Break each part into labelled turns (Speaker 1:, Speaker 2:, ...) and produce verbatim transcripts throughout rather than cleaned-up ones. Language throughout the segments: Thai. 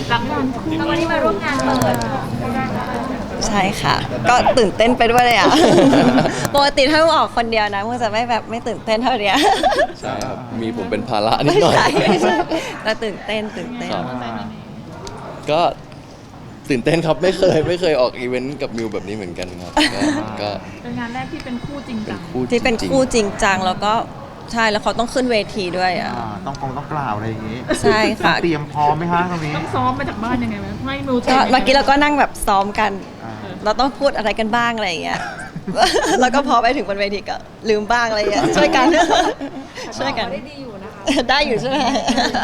Speaker 1: รับงานแล้ววันนี้มาร่วมงานเปิด
Speaker 2: ใช่ค่ะ ก็ตื่นเต้นไปด้วยเลยอ่ะ ปกติถ้าออกคนเดียวนะมันจะไม่แบบไม่ตื่นเต้นเท่านี้
Speaker 3: ใช่ครับมีผมเป็นภาระนิดหน่อย
Speaker 2: ใช่ไม่ใช่แต่ตื่นเต้นตื่นเต้น
Speaker 3: ครับก็ตื่นเต้นครับไม่เคยไม่เคยออกอีเวนต์กับมิวแบบนี้เหมือนกันครับก็ก็
Speaker 1: เป็นงานแรกที่เป็นคู่จริง
Speaker 3: เป็
Speaker 1: จั
Speaker 3: น
Speaker 1: ง
Speaker 3: คู่
Speaker 2: ที่เป็น
Speaker 3: จริงๆ
Speaker 2: คู่จริงจังแล้วก็ใช่แล้วเขาต้องขึ้นเวทีด้วยอ่ะ
Speaker 4: อ่าต้องกองต้องกล่าวอะไรอย่างงี้
Speaker 2: ใช่ค่ะ
Speaker 4: ต้องเตรียมพร้อมไหมคะตรงนี้
Speaker 1: ต้องซ้อมมาจากบ้านยังไงไหมไม่มิว
Speaker 2: ก็เมื่อกี้เราก็นั่งแบบซ้อมกัน
Speaker 4: อ่า
Speaker 2: เราต้องพูดอะไรกันบ้างอะไรอย่างเงี้ย แล้วก็พอไปถึงบนเวทีก็ลืมบ้างอะไรอย่างเงี้ยช่วยกัน ช่วยกัน
Speaker 1: ได้ดีอยู่นะคะ
Speaker 2: ได้อยู่ใช่ไหม
Speaker 4: อ่า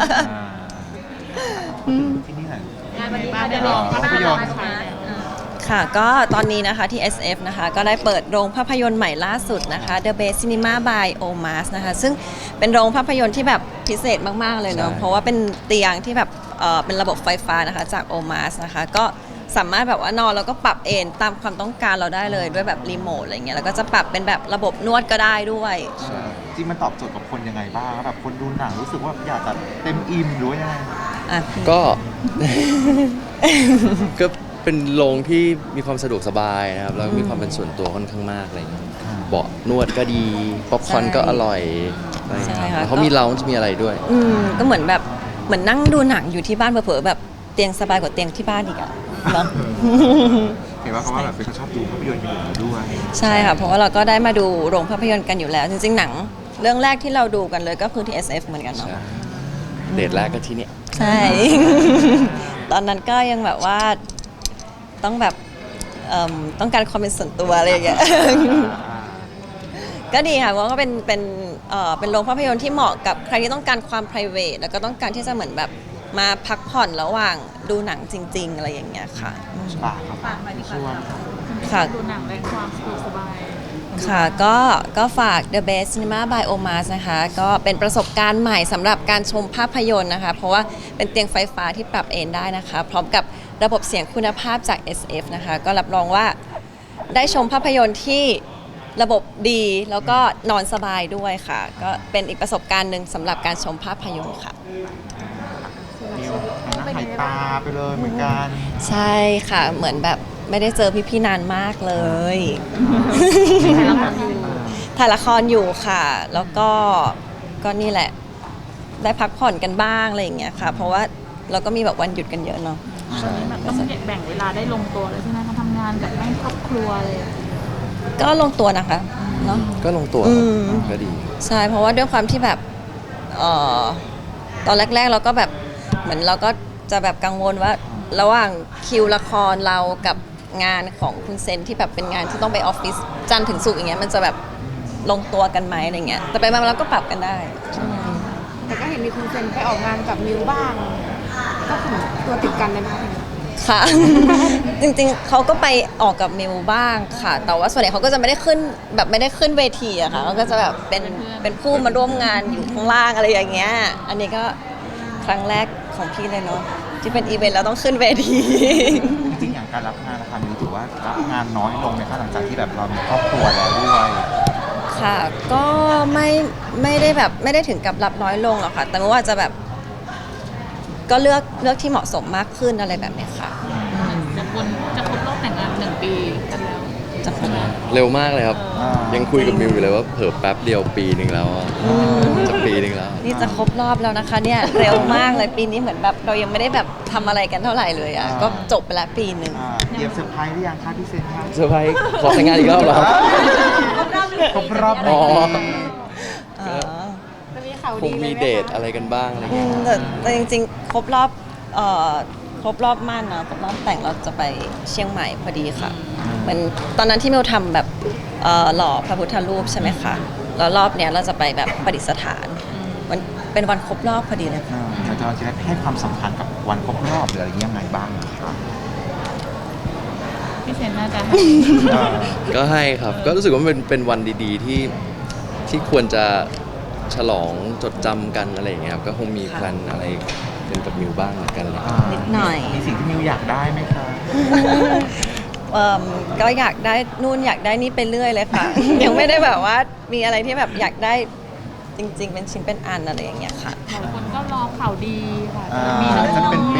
Speaker 4: ที่นี่ไหน
Speaker 1: งานวันนี้
Speaker 4: บ้า
Speaker 1: มาน ได้
Speaker 4: เดี๋
Speaker 1: ล
Speaker 4: ยว
Speaker 1: อง
Speaker 4: ภาพยนตร์
Speaker 1: ใช่
Speaker 2: ค่ะก็ตอนนี้นะคะที่ เอส เอฟ นะคะก็ได้เปิดโรงภาพยนตร์ใหม่ล่าสุดนะคะ The Best Cinema by Omas นะคะซึ่งเป็นโรงภาพยนตร์ที่แบบพิเศษมากๆเลยเนาะ
Speaker 3: ใช่
Speaker 2: เพราะว่าเป็นเตียงที่แบบเอ่อเป็นระบบไฟฟ้านะคะจาก Omas นะคะก็สามารถแบบว่านอนแล้วก็ปรับเอนตามความต้องการเราได้เลยด้วยแบบรีโมทอะไรเงี้ยแล้วก็จะปรับเป็นแบบระบบนวดก็ได้ด้วย
Speaker 4: ใช่จริงมันตอบโจทย์กับคนยังไงบ้างแบบคนดูหนังรู้สึกว่าอยากจะเต็มอิ่มหรือว่ายังไง
Speaker 2: อ่ะ
Speaker 3: ก็ ก็เป็นโรงที่มีความสะดวกสบายนะครับแล้วก็มีความเป็นส่วนตัวค่อนข้างมากอะไรอย่างเงี้ย
Speaker 4: อ่า
Speaker 3: เบาะนวดก็ดีป๊อปคอร์นก็อร่อยอะไรอย่าง
Speaker 2: ใช่
Speaker 3: เงี้ย
Speaker 2: ค่ะ
Speaker 3: แล้วเขามีเราจะมีอะไรด้วย
Speaker 2: อืมก็เหมือนแบบเหมือนนั่งดูหนังอยู่ที่บ้านเผลอๆแบบเตียงสบายกว่าเตียงที่บ้านอีกอะเนาะ
Speaker 4: เห็นว่าเขาว่าแบบเป็นคนชอบดูภาพยนตร์อยู่แล้วด้วย
Speaker 2: ใช่ค่ะ เพราะว่าเราก็ได้มาดูโรงภาพยนตร์กันอยู่แล้ว จริงๆ หนังเรื่องแรกที่เราดูกันเลยก็คือที่ เอส เอฟ เหมือนกันเนาะ
Speaker 3: ใช่เดทแรกก็ที่เนี่ย
Speaker 2: ใช่ ตอนนั้นก็ยังแบบว่าต้องแบบเอิ่มต้องการความเป็นส่วนตัวอะไรอย่างเงี้ย ก็ดีค่ะเพราะว่าเป็นเป็นเอ่อเป็นโรงภาพยนตร์ที่เหมาะกับใครที่ต้องการความ p r i v a t แล้วก็ต้องการที่จะเหมือนแบบมาพักผ่อนระหว่างดูหนังจริง ๆ อะไรอย่างเงี้ยค่ะ
Speaker 4: ฝากครับ
Speaker 1: ฝากมาดีก
Speaker 4: ช่ว
Speaker 1: ว่าง
Speaker 2: ค่ะ
Speaker 1: ดูหนังและความสะดวกสบาย
Speaker 2: ค่ะก็ก็ฝาก The Best Cinema by Omas นะคะก็เป็นประสบการณ์ใหม่สำหรับการชมภาพยนตร์นะคะ เพราะว่าเป็นเตียงไฟฟ้าที่ปรับเอนได้นะคะ พร้อมกับระบบเสียงคุณภาพจาก เอส เอฟ นะคะก็รับรองว่าได้ชมภาพยนตร์ที่ระบบดีแล้วก็นอนสบายด้วยค่ะ ก็เป็นอีกประสบการณ์หนึ่งสำหรับการชมภาพยนตร์ค่ะ
Speaker 4: นิวหน้าหายตาไปเลยเหมือนกัน
Speaker 2: ใช่ค่ะเหมือนแบบไม่ได้เจอพี่ๆนานมากเลย
Speaker 1: ถ่ายละครอยู่
Speaker 2: ถ่ายละครอยู่ค่ะ แล้วก็ก็นี่แหละ ได้พักผ่อนกันบ้างอะไรอย่างเงี้ยค่ะ เพราะว่าเราก็มีแบบวันหยุดกันเยอะเนาะ
Speaker 1: ตอนนี้แบบต้องแบ่งเวลาได้ลงตัวเลยใช่ไหมคะทำงานกับแม่ครอบครัวเลย
Speaker 2: ก็ลงตัวนะคะเนาะ
Speaker 3: ก็ลงตัว
Speaker 2: อื
Speaker 3: ครับ
Speaker 2: ม
Speaker 3: ก็ดี
Speaker 2: ใช่เพราะว่าด้วยความที่แบบเอ่อตอนแรก ๆ เราก็แบบเหมือนเราก็จะแบบกังวลว่าระหว่างคิวละครเรากับงานของคุณเซนที่แบบเป็นงานที่ต้องไปออฟฟิศจันทร์ถึงศุกร์อย่างเงี้ยมันจะแบบลงตัวกันไหมอะไรเงี้ยแต่ไปมาเราก็ปรับกันได้
Speaker 5: แต่ก็เห็นมีคุณเซนไปออกงานกับมิวบ้าง ก็คือตัวติดกันเลยนะคะ
Speaker 2: ค่ะ จริงๆเขาก็ไปออกกับมิวบ้างค่ะ แต่ว่าส่วนใหญ่เขาก็จะไม่ได้ขึ้นแบบไม่ได้ขึ้นเวทีอะค่ะเขาก็จะแบบเป็นเป็นผู้มาร่วมงานอยู่ข้างล่างอะไรอย่างเงี้ยอันนี้ก็ครั้งแรกของพี่เลยเนาะที่เป็นอีเวนต์แล้วต้องขึ้นเวที
Speaker 4: จริงๆอย่างการรับงานนะคะมิวถือว่ารับงานน้อยลงไหมคะหลังจากที่แบบเรามีครอบครัวแล้วด้วย
Speaker 2: ค่ะก็ไม่ไม่ได้แบบไม่ได้ถึงกับรับน้อยลงหรอกค่ะ แต่ว่าจะแบบก็เลือกเลือกที่เหมาะสมมากขึ้นอะไรแบบเนี้ยค่ะ
Speaker 1: จะคนจะครบรอบแต่งงานหนึ่งปีกันแล้ว
Speaker 2: จะขนาด
Speaker 3: เร็วมากเลยครับ
Speaker 4: อ่ายั
Speaker 3: ยังคุยกับมิวอยู่เลยว่าเผิ่แป๊บเดียวปีหนึ่งแล้วอะจะปีหนึ่งแล้ว
Speaker 2: นี่จะครบรอบแล้วนะคะเนี่ยเร็วมากเลยปีนี้เหมือนแบบเรายังไม่ได้แบบทำอะไรกันเท่าไหร่เลยอ่ะก็จบไปแล้วปีหนึ่ง
Speaker 4: อ่าเตรียมเซอร์ไพรส์หรือยังคะพี่เซนคะ
Speaker 3: เซอร์ไพรส์ขอแต่งงานอีกรอบเหรอครับ
Speaker 4: ครบรอบห
Speaker 3: อ๋
Speaker 4: นึ่ง
Speaker 3: อ
Speaker 4: ปี
Speaker 5: จะมีข่าว
Speaker 3: ค
Speaker 5: ดี
Speaker 3: ง
Speaker 5: เลย
Speaker 3: มี
Speaker 5: ไหม
Speaker 3: เดท
Speaker 5: คะ
Speaker 3: อะไรกันบ้างอะไร
Speaker 2: อื
Speaker 3: เงี้ย
Speaker 2: มแต่แต่จริงๆ ครบรอบเอ่อครบรอบมั่นนะครบรอบแต่งเราจะไปเชียงใหม่พอดีค่ะเหมือนตอนนั้นที่มิวทำแบบเอ่อหล่อพระพุทธรูปใช่ไหมคะแล้วรอบเนี้ยเราจะไปแบบประดิษฐานมันเป็นวันครบรอบพอดีเลยค่ะ
Speaker 4: อ่าเราจะเราจะได้ให้ความสำคัญกับวันครบรอบหรืออะไรยังไงบ้างคะ
Speaker 1: พี่เซนน่าจะให้
Speaker 4: อ่า
Speaker 3: ก็ให้ครับ ก็รู้สึกว่ามันเป็นเป็นวันดีๆที่ที่ควรจะฉลองจดจำกันอะไรอย่างเงี้ยครับก็คงมีแพลนอะไรเป็นกับมิวบ้างเหมือนกันเลย
Speaker 4: อ่า
Speaker 2: นิดหน่อย
Speaker 4: มีสิ่งที่มิวอยากได้ไหมคะ
Speaker 2: เอิ่มก็อยากได้นู่นอยากได้นี่ไปเรื่อยเลยค่ะ ยังไม่ได้แบบว่ามีอะไรที่แบบอยากได้จริง ๆ เป็นชิ้นเป็นอันอะไรอย่างเงี้ยค่ะ
Speaker 1: หลายคนก็รอข่าวดีค่ะ
Speaker 4: อ่า
Speaker 1: จะมีน้อง
Speaker 4: จะเป็นเบ
Speaker 1: ๆไหม
Speaker 4: บีเด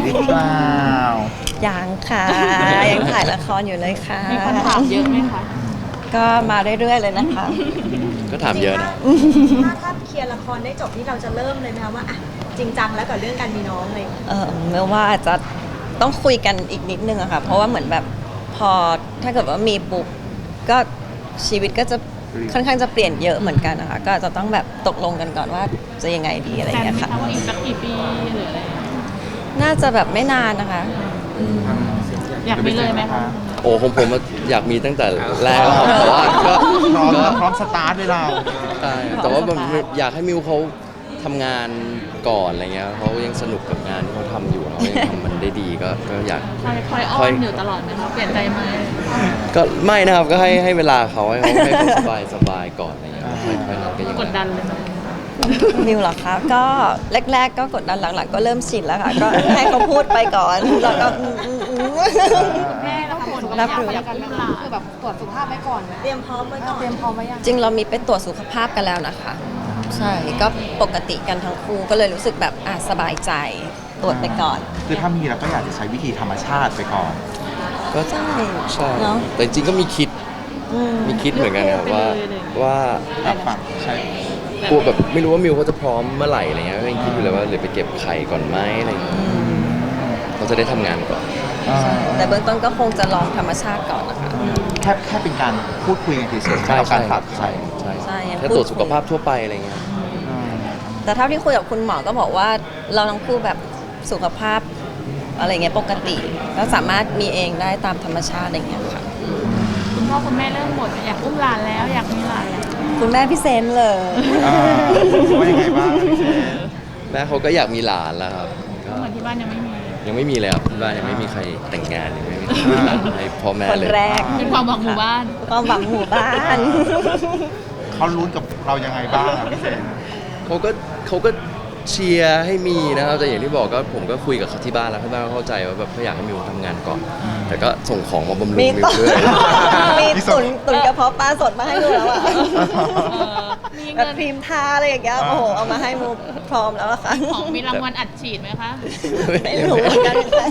Speaker 4: รือเปล่า
Speaker 2: ยังค่ะ ยังถ่ายละครอยู่เลยค่ะ
Speaker 1: มีคนถามเยอะไหมคะ
Speaker 2: ก็มาเรื่อยๆเลยนะคะ
Speaker 3: ก็ถามเยอะนะ
Speaker 6: ถ้าถ้าเคลียร์ละครได้จบที่เราจะเริ่มเลยไหมคะว่าอ่ะจริงจังแล้วกับเรื่องการมีน้องเลย
Speaker 2: เออเมื่อว่าอาจจะต้องคุยกันอีกนิดนึงอะค่ะ เพราะว่าเหมือนแบบพอถ้าเกิดว่ามีปุ๊บก็ชีวิตก็จะค่อนข้างจะเปลี่ยนเยอะเหมือนกันนะคะ ก็อาจจะต้องแบบตกลงกันก่อนว่าจะยังไงดีอะไรอ
Speaker 1: แผ
Speaker 2: ย่าง
Speaker 1: น
Speaker 2: เงี้ย
Speaker 1: ไหม
Speaker 2: ค่ะ
Speaker 1: คะว่าอีกสักกี่ปีหรืออะไร
Speaker 2: น่าจะแบบไม่นานนะคะ
Speaker 1: อยากมีเลยไหมคะ
Speaker 3: โอ้ผมผมอยากมีตั้งแต่แรกแล้วครับแต่ว่าก็
Speaker 4: พร้อม
Speaker 3: ก็
Speaker 4: พร้อมสตาร์ทเลยเรา
Speaker 3: ใช่แต่ว่าแบบอยากให้มิวเขาทำงานก่อนอะไรเงี้ยเขายังสนุกกับงานที่เขาทำอยู่เขายังทำมันได้ดีก็ก็อยาก
Speaker 1: คอยคอยอ้อนอยู่ตลอดไหมคะเปลี่ยนใจไหม
Speaker 3: ก็ไม่นะครับก็ให้ให้เวลาเขาให้เขาให้เขาสบายสบายก่อนอะไรเงี้ยค่อยค่อยนั้นก็ยัง
Speaker 1: กดดันเลยไหม
Speaker 2: มิวเหรอคะก็แรก ๆ ก็กดดันหลังๆก็เริ่มชินแล้วค่ะ ก็ให้เขาพูดไปก่อนแล้วก็อืมอืมอืม
Speaker 5: แม่แล้วผล
Speaker 2: รับรู้
Speaker 5: อยากกันไหมคะคือแบบตรวจสุขภาพไว้ก่อนไหม
Speaker 6: เตรียมพร้อมไว้ก่อน
Speaker 5: เตรียมพร้อมไว้ยัง
Speaker 2: จริงเรามีไปตรวจสุขภาพกันแล้วนะคะ ใช่ก็ปกติกันทั้งคู่ก็เลยรู้สึกแบบอ่ะสบายใจตรวจไปก่อน
Speaker 4: คือถ้ามีเราก็อยากจะใช้วิธีธรรมชาติไปก่อน
Speaker 3: ก็
Speaker 2: ใช่
Speaker 3: ใช่
Speaker 2: เนาะ
Speaker 3: แต่จริงๆก็มีคิด
Speaker 2: อืม
Speaker 3: มีคิดเหมือนกันครับว่าว่า
Speaker 4: แบบฝั่งใช่
Speaker 3: กลัวแบบไม่รู้ว่ามิวเขาจะพร้อมเมื่อไหร่อะไรเงี้ยก็ยังคิดอยู่เลยว่าหรือไปเก็บไข่ก่อนไหมอะไรเงี้ยเขาจะได้ทำงานก่อน
Speaker 2: แต่เบื้องต้นก็คงจะลองธรรมชาติก่อนนะคะ
Speaker 4: แค่แค่เป็นการพูดคุยกันเฉยๆ
Speaker 3: ใช่
Speaker 4: ไม่เอา
Speaker 3: ใช่
Speaker 4: การฝากไข่
Speaker 3: ใช่
Speaker 2: ใช่ยัง
Speaker 3: แค่
Speaker 2: พูด
Speaker 3: ตรวจสุขภาพทั่วไปอะไรเงี้ย
Speaker 4: อืม
Speaker 2: แต่เท่าที่คุยกับคุณหมอก็บอกว่าเราทั้งคู่แบบสุขภาพอะไรเงี้ยปกติก็สามารถมีเองได้ตามธรรมชาติอะไรเงี้ยค่ะ
Speaker 1: คุณพ่อคุณแม่เริ่มบ่นอยากอุ้มหลานแล้วอยากมีหลานแล้ว
Speaker 2: คุณแม่พี่เซนเลย
Speaker 4: อ่าว่ายังไงบ้างพี่เชน
Speaker 3: แม่เขาก็อยากมีหลานแล้วครับก็
Speaker 1: เหมือนที่บ้านยังไม่มี
Speaker 3: ยังไม่มีเลยครับที่บ้านยังไม่มีใครแต่งงานยังไม่มีใครมีหลานให้พ่อแม่
Speaker 2: คน
Speaker 3: เลย
Speaker 2: แรก
Speaker 1: เป็นความหวังหมู่บ้าน
Speaker 2: ความหวังหมู่บ้าน
Speaker 4: เขาลุ้นกับเรายังไงบ้างอะพี่เชน
Speaker 3: เขาก็เขาก็เชียร์ให้มีนะครับแต่อย่างที่บอกก็ผมก็คุยกับเขาที่บ้านแล้วที่บ้านก็เข้าใจว่าแบบเขาอยากให้มิวทำงานก่อน แต่ก็ส่งของมาบำรุง
Speaker 2: มี
Speaker 3: มิว
Speaker 2: ตุน
Speaker 3: ด้วย
Speaker 2: มีตุนตุนกระเพาะปลาสดมาให้ดูแล้วอะ
Speaker 1: เออมี
Speaker 2: แบบ
Speaker 1: เงิน
Speaker 2: ครีมทาอะไรอย่างเงี้ยโอ้โหเอามาให้มูพร้อมแล้วอะค่ะ
Speaker 1: ของมีรางวัลอัดฉีดไหมคะ
Speaker 2: ไม่รู้เหมือนกันค่ะ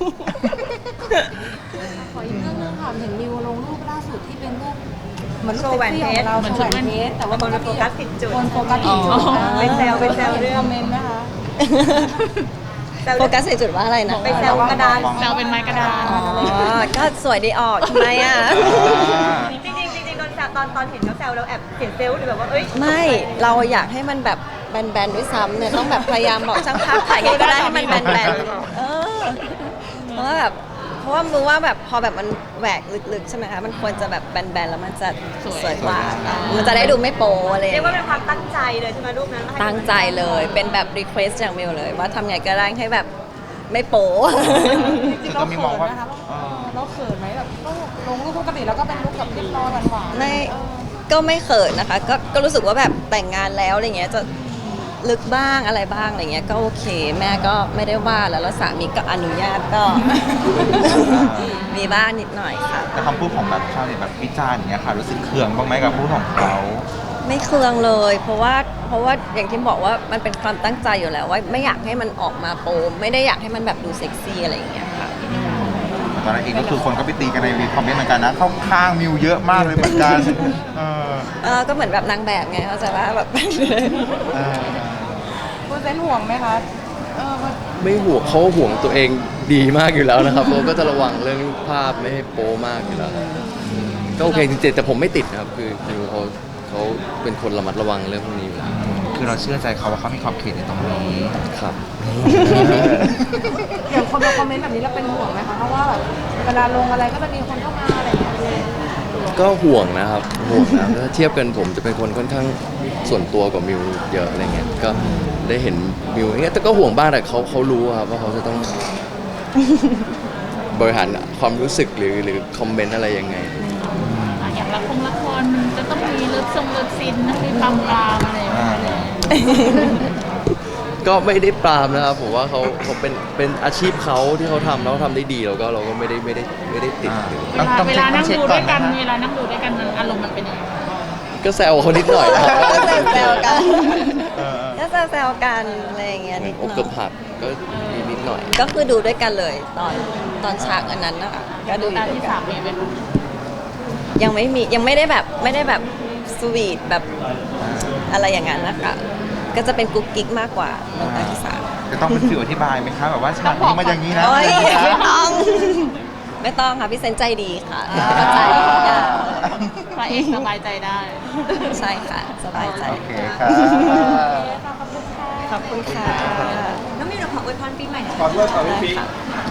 Speaker 5: ขออีกเรื่องนึงค่ะเห็นมิวลงรูปล่าสุดที่เป็นรูปเหมือนรูป
Speaker 6: โชว์แหวนเพชร
Speaker 5: ซ็กซี่ของเราโชว์แหวนเพชรแต่ว่า
Speaker 6: คนโฟกัสผิดจุด
Speaker 5: คนโฟกัสผิดจุด
Speaker 2: อ๋อ
Speaker 6: ไปแซวไปแซวเรื่อง
Speaker 5: คอมเมนต์ไหมคะ
Speaker 2: โฟกัสในจุดว่าอะไรนะ
Speaker 6: ไปแซวกระดาน
Speaker 1: แซวเป็นไม้กระดาน
Speaker 2: อ๋อ ก็สวยดีออกทำไมอ่ะ
Speaker 6: จริงๆจริงๆตอนแซวตอนตอนเห็นเขาแซวเราแอบเสียเซลล์หรือแบบว่าเอ้ย
Speaker 2: ไม่ เราอยากให้มันแบบแบนๆด้วยซ้ำเนี่ยต้องแบบพยายามบอกช่างภาพถ่ายไงก็ได้ให้มันแบนๆเออ เพราะว่าแบบ เพราะว่ารู้ว่าแบบพอแบบมันแหวกลึกๆใช่ไหมคะ มันควรจะแบบแบนๆแล้วมันจะ
Speaker 1: สวย
Speaker 2: สวยกว่า มันจะได้ดูไม่โป๊อะไรอย่าง
Speaker 6: เรียกว่าเป็
Speaker 2: เงี้
Speaker 6: น
Speaker 2: ย
Speaker 6: ความตั้งใจเลยใช่ไหมรูปนั้นว่าให้
Speaker 2: ตั้งใจเลย เป็นแบบรีเควสอย่างมิวเลย ว่าทำไงก็ได้ให้แบบไม่โป๊
Speaker 5: จริงๆเราเขินนะคะเออเราเขินไหมแบบต้องลงรูปปกติแล้วก็เป็นรูปแบบเรียบร้อยหวานๆ
Speaker 2: ไม่
Speaker 5: เออ
Speaker 2: ก็ไม่เขินนะคะ ก็ก็รู้สึกว่าแบบแต่งงานแล้วอะไรเงี้ยจะลึกบ้างอะไรบ้างอะไรเงี้ยก็โอเค แม่ก็ไม่ได้ว่าแล้วแล้วสามีก็อนุญาตก็ มีบ้างนิดหน่อยค่ะ
Speaker 4: แต่คำพูดของแบบชาวเน็ตแบบวิจารณ์อย่างเงี้ยค่ะรู้สึกเคืองบ้างไหมกับพูดของเขา
Speaker 2: ไม่เคืองเลย เพราะว่าเพราะว่าอย่างที่บอกว่ามันเป็นความตั้งใจอยู่แล้วว่าไม่อยากให้มันออกมาโปมไม่ได้อยากให้มันแบบดูเซ็กซี่อะไรอย่างเงี้ยค่ะ
Speaker 4: ตอนนั้นเองก็คือคนก็ไปตีกันในคอมเมนต์เหมือนกันนะเข้าข้างมิวเยอะมากเลยเหมือนกันเออ
Speaker 2: เออก็เหมือนแบบนางแบบไงเข้าใจว่าแบบ
Speaker 4: เออ
Speaker 5: คุณเซนห่วงไหมคะเออมัน
Speaker 3: ไม่ห่วงเขาห่วงตัวเองดีมากอยู่แล้วนะครับเขาก็จะระวังเรื่องภาพไม่ให้โป๊มากอยู่แล้วก็โอเคจริงๆแต่ผมไม่ติดนะครับคือคือเขาเขาเป็นคนระมัดระวังเรื่องพวกนี้อยู่แล้ว
Speaker 4: คือเราเชื่อใจเขาว่าเขามีขอบเขตในตรงนี้
Speaker 3: ครับ
Speaker 5: อย่างคนมาคอมเมนต์แบบนี้เราเป็นห่วงไหมคะเพราะว่าแบบเวลาลงอะไรก็จะมีคนเข้ามาอะไรอย่างเงี้ยเลย
Speaker 3: ก็ห่วงนะครับห่วงนะถ้าเทียบกันผมจะเป็นคนค่อนข้างส่วนตัวกว่ามิวเยอะอะไรเงี้ยก็ได้เห็นมิวอย่างเงี้ยแต่ก็ห่วงบ้างแต่เขาเขารู้ครับว่าเขาจะต้อง บริหารความรู้สึกหรือหรือคอมเมนต์อะไรยังไง
Speaker 1: อ่ะอย่างละครละครมันจะต้องมีเลิฟซงเลิฟซินนะมีปั๊มปรามอะไรอย่างเงี้ย
Speaker 3: ก็ไม่ได้ปรามนะครับผมว่าเขาเขาเป็นเป็นอาชีพเขาที่เขาทำแล้วเขาทำได้ดีเราก็เราก็ไม่ได้ไม่ได้ไม่ได้ติดหรือ
Speaker 1: เวลาเวลานั่งดูด้วยกันเวลานั่งดูด้วยกันมันอารมณ์มันเป็นยังไง
Speaker 3: ก็แซวเขานิดหน่อยนะครับ
Speaker 2: ก็แซวๆกัน
Speaker 4: เออ
Speaker 2: ก็แซวๆกันอะไรอย่างเงี้ย
Speaker 3: เหมื
Speaker 2: นิ
Speaker 3: อน
Speaker 2: ด
Speaker 3: อก
Speaker 2: หน่
Speaker 3: เกื
Speaker 2: อ
Speaker 3: อย บหักก็มีนิดหน่อย
Speaker 2: ก็คือดูด้วยกันเลยตอนตอนฉากอันนั้นนะคะก็ดู
Speaker 1: ตา
Speaker 2: ด้วย
Speaker 1: ที่
Speaker 2: กั
Speaker 1: สาน มมีไหมคะ
Speaker 2: ยังไม่มียังไม่ได้แบบไม่ได้แบบสวีทแบบอะไรอย่างนั้นนะคะก็จะเป็นกุ๊กกิ๊กมากกว่าน้ำตาที่สาม
Speaker 4: จะต้องเป็นสื่ออธิบายไหมคะแบบว่าฉากนี้มาอย่างนี้นะ
Speaker 2: โอ้ย
Speaker 4: อย่างนี้นะ
Speaker 2: ไม่ต้อง ไม่ต้องค่ะพี่เซนใจดีค่ะเข้าใจทุกอย่าง
Speaker 1: พระเอกสบายใจได้
Speaker 2: ใช่ค่ะ สบายใจ
Speaker 4: โอเคครับ
Speaker 2: ขอบคุณค่ะ
Speaker 6: น้องมิวเราขออวยพรปีใหม่หน่อย
Speaker 2: ได้ค่ะ